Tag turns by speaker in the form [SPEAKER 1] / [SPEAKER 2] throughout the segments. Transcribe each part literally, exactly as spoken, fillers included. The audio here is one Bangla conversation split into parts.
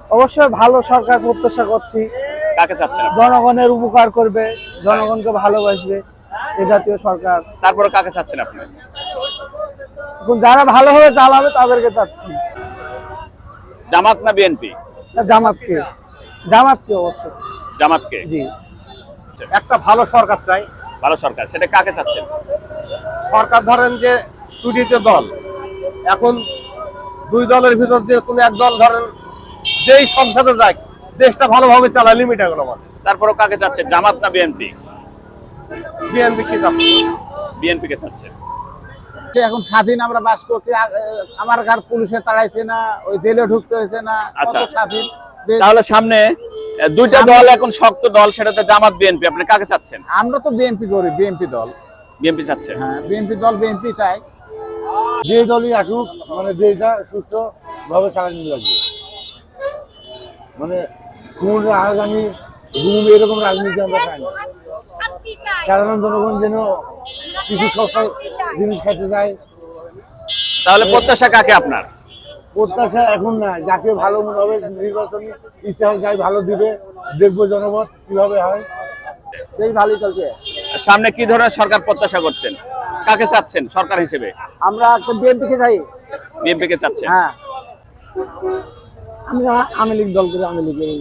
[SPEAKER 1] অবশ্যই ভালো সরকার প্রত্যাশা করছি।
[SPEAKER 2] কাকে চাচ্ছেন আপনি?
[SPEAKER 1] জনগণের উপকার করবে, জনগণকে ভালোবাসবে, এ জাতীয় সরকার।
[SPEAKER 2] তারপরে কাকে চাচ্ছেন আপনি?
[SPEAKER 1] এখন যারা ভালোভাবে চালাবে তাদেরকে চাচ্ছি।
[SPEAKER 2] জামাত না বিএনপি?
[SPEAKER 1] জামাতকে, জামাতকে অবশ্যই।
[SPEAKER 2] জামাতকে।
[SPEAKER 1] জি।
[SPEAKER 3] একটা ভালো সরকার চাই।
[SPEAKER 2] ভালো সরকার, সেটা কাকে চাচ্ছেন?
[SPEAKER 3] সরকার ধরেন যে দুটিতে দল, এখন দুই দলের ভিতর দিয়ে কোনো এক দল ধরেন যেই সংসদে যায় দেশটা ভালোভাবে চালায় লিমিট এগুলো মানে।
[SPEAKER 2] তারপরে কাকে চাচ্ছেন, জামাত না বিএনপি?
[SPEAKER 3] বিএনপি কি চাচ্ছে?
[SPEAKER 2] বিএনপি কে চাচ্ছেন।
[SPEAKER 1] এখন স্বাধীন আমরা বাস করছি, আমার কার পুলিশে তাড়াইছে না, ওই জেলে ঢুকতে হয়েছে না, কত স্বাধীন।
[SPEAKER 2] তাহলে সামনে দুইটা দল এখন শক্ত দল, সেটাতে জামাত বিএনপি, আপনি কাকে চাচ্ছেন?
[SPEAKER 1] আমরা তো বিএনপি করি, বিএনপি দল।
[SPEAKER 2] বিএনপি চাচ্ছেন?
[SPEAKER 1] হ্যাঁ, বিএনপি দল, বিএনপি চাই।
[SPEAKER 3] যে দলই আসুক মানে দেশটা সুস্থ ভাবে চালানো লাগবে, মানে কোন রাজধানী ঘুম এরকম রাজনীতি আমরা চাই না। সাধারণ জনগণ যেন কিছু সস্তা জিনিস খেতে যায়।
[SPEAKER 2] তাহলে প্রত্যাশা কাকে আপনার?
[SPEAKER 3] প্রত্যাশা এখন না, যাকে ভালো মনে হবে নির্বাচনী ইতিহাস যাই ভালো দিবে, দেখবো জনমত কিভাবে হয়, সেই ভালোই চলছে।
[SPEAKER 2] সামনে কি ধরনের সরকার প্রত্যাশা করছেন, কাকে চাচ্ছেন সরকার হিসেবে?
[SPEAKER 1] আমরা বিএনপি কে চাই।
[SPEAKER 2] বিএনপি কে চাচ্ছেন?
[SPEAKER 1] হ্যাঁ, আমরা আওয়ামী লীগ দল করে আওয়ামী লীগের।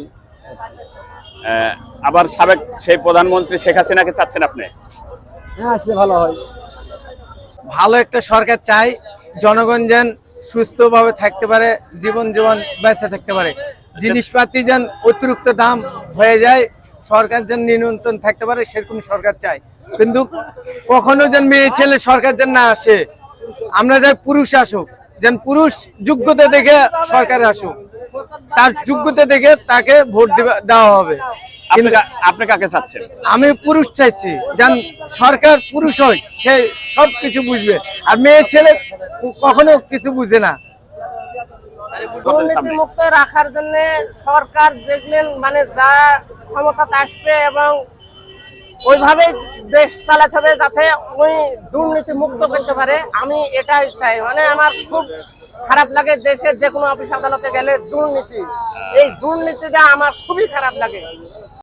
[SPEAKER 2] আবার সাবেক সেই প্রধানমন্ত্রী শেখ হাসিনাকে চাচ্ছেন আপনি?
[SPEAKER 1] হ্যাঁ, সে ভালো হয়। ভালো একটা সরকার চাই, জনগণ যেন সুস্থভাবে থাকতে পারে, জীবন জীবন বেঁচে থাকতে পারে, জিনিসপাতি যেন অতিরিক্ত দাম হয়ে যায়, সরকার যেন নিয়ন্ত্রণ থাকতে পারে, সেরকম সরকার চাই। কিন্তু কখনো যেন মেয়ে ছেলে সরকার যেন না আসে, আমরা যাই পুরুষ আসুক, যেন পুরুষ যোগ্যতা দেখে সরকারে আসুক, তার যোগ্যতা দেখে তাকে ভোট দেওয়া হবে।
[SPEAKER 2] আপনি কাকে চাচ্ছেন?
[SPEAKER 1] আমি পুরুষ চাইছি, যেন সরকার পুরুষ হয়, সে সব কিছু বুঝবে, আর মেয়ে ছেলে কখনো কিছু বুঝে না।
[SPEAKER 4] দুর্নীতি মুক্ত রাখার জন্য সরকার দেখলেন মানে যা ক্ষমতাতে আসবে এবং ওইভাবে দেশ চালাতে হবে যাতে ওই দুর্নীতি মুক্ত করতে পারে। আমি এটাই চাই, মানে আমার খুব খারাপ লাগে দেশের যে কোনো অফিস আদালতে গেলে দুর্নীতি, এই দুর্নীতিটা আমার খুবই খারাপ লাগে।